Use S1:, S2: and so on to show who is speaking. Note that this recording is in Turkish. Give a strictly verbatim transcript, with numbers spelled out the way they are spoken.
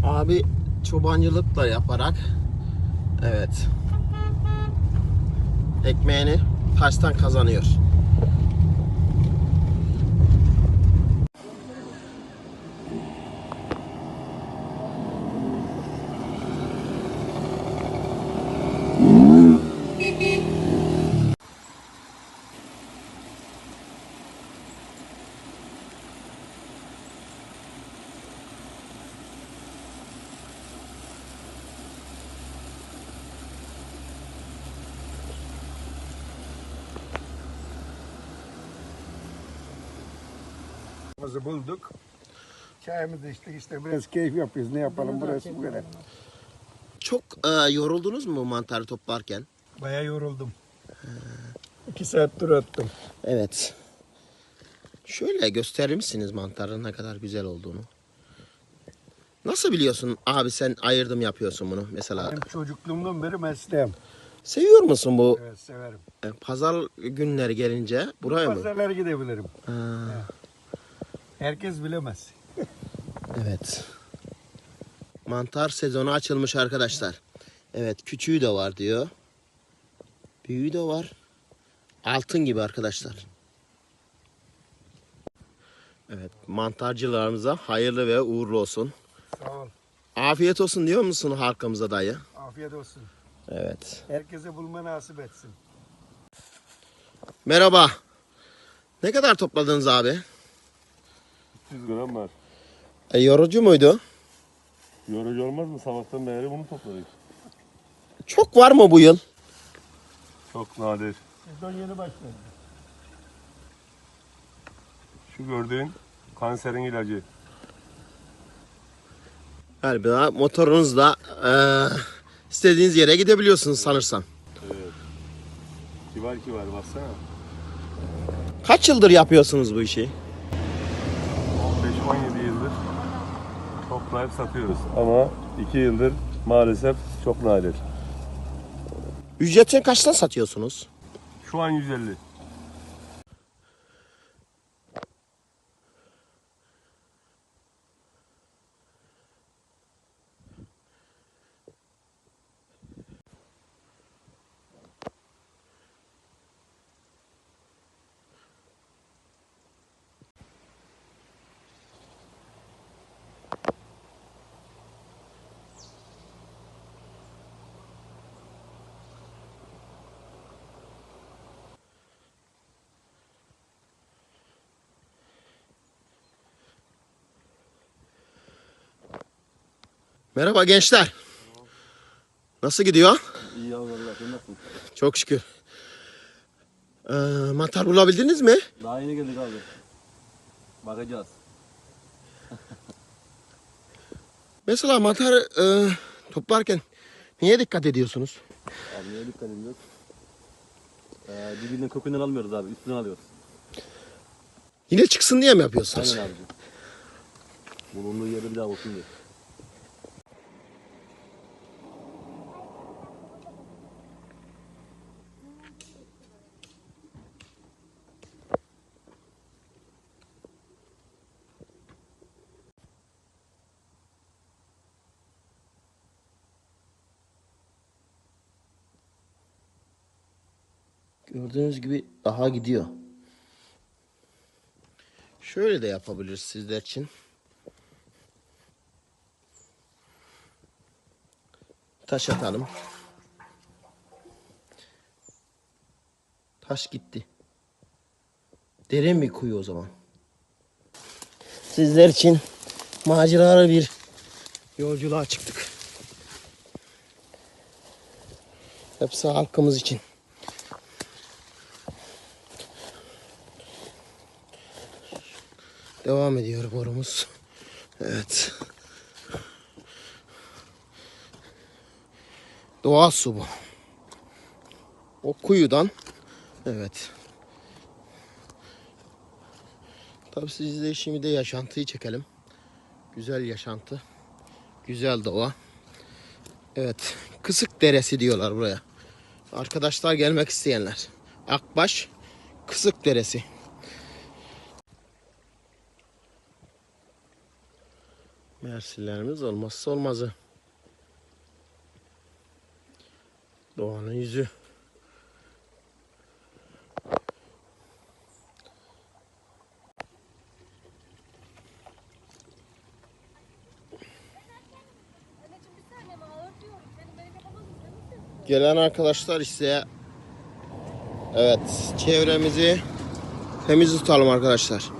S1: Abi çobancılık da yaparak, evet, ekmeğini taştan kazanıyor.
S2: Çayımızı bulduk. Çayımızı içtik, işte biraz keyif yapıyoruz. Ne yapalım, burası bu kadar.
S1: Çok e, yoruldunuz mu mantarı toplarken?
S2: Bayağı yoruldum. İki saat tur attım.
S1: Evet. Şöyle gösterir misiniz mantarın ne kadar güzel olduğunu? Nasıl biliyorsun abi, sen ayırdım yapıyorsun bunu mesela?
S2: Benim çocukluğumdan beri mesleğim.
S1: Seviyor musun bu
S2: Evet, severim.
S1: e, pazar günleri gelince buraya mı?
S2: Pazarlara gidebilirim.
S1: Ha,
S2: Herkes bilemez.
S1: evet. Mantar sezonu açılmış arkadaşlar. Evet, küçüğü de var diyor. Büyüğü de var. Altın gibi arkadaşlar. Evet, mantarcılarımıza hayırlı ve uğurlu olsun.
S2: Sağ ol.
S1: Afiyet olsun diyor musun halkımıza dayı?
S2: Afiyet olsun.
S1: Evet.
S2: Herkese bulma nasip etsin.
S1: Merhaba. Ne kadar topladınız abi?
S3: üç yüz gram var.
S1: E, yorucu muydu?
S3: Yorucu olmaz mı? Sabahtan beri bunu topladık.
S1: Çok var mı bu yıl?
S3: Çok nadir.
S2: Sezon yeni başladı.
S3: Şu gördüğün kanserin ilacı.
S1: Galiba motorunuzla e, istediğiniz yere gidebiliyorsunuz sanırsam.
S3: Evet. Kibar kibar baksana.
S1: Kaç yıldır yapıyorsunuz bu işi?
S3: on beş on yedi yıldır toplayıp satıyoruz. Ama iki yıldır maalesef çok nadir.
S1: Ücretini kaçtan satıyorsunuz?
S3: Şu an yüz elli.
S1: Merhaba gençler. Nasıl gidiyor?
S4: İyi ya vallahi sen nasılsın?
S1: Çok şükür. Ee, mantar bulabildiniz mi?
S4: Daha yeni geldik abi. Bakacağız.
S1: Mesela mantar e, toplarken niye dikkat ediyorsunuz?
S4: Abi neye dikkat ediyoruz? Ee, dibinden kökünden almıyoruz abi, üstünden alıyoruz.
S1: Yine çıksın diye mi yapıyorsunuz?
S4: Aynen abicim. Bulunduğu yerde bir daha olsun diye.
S1: Gördüğünüz gibi daha gidiyor. Şöyle de yapabiliriz sizler için. Taş atalım. Taş gitti. Derin bir kuyu o zaman. Sizler için maceralı bir yolculuğa çıktık. Hepsi halkımız için. Devam ediyor borumuz. Evet. Doğal su bu. O kuyudan. Evet. Tabii siz de şimdi de yaşantıyı çekelim. Güzel yaşantı. Güzel doğa. Evet. Kısık Deresi diyorlar buraya. Arkadaşlar gelmek isteyenler. Akbaş Kısık Deresi. Mersinlerimiz olmazsa olmazı. Doğanın yüzü. Gelen arkadaşlar ise evet, çevremizi temiz tutalım arkadaşlar.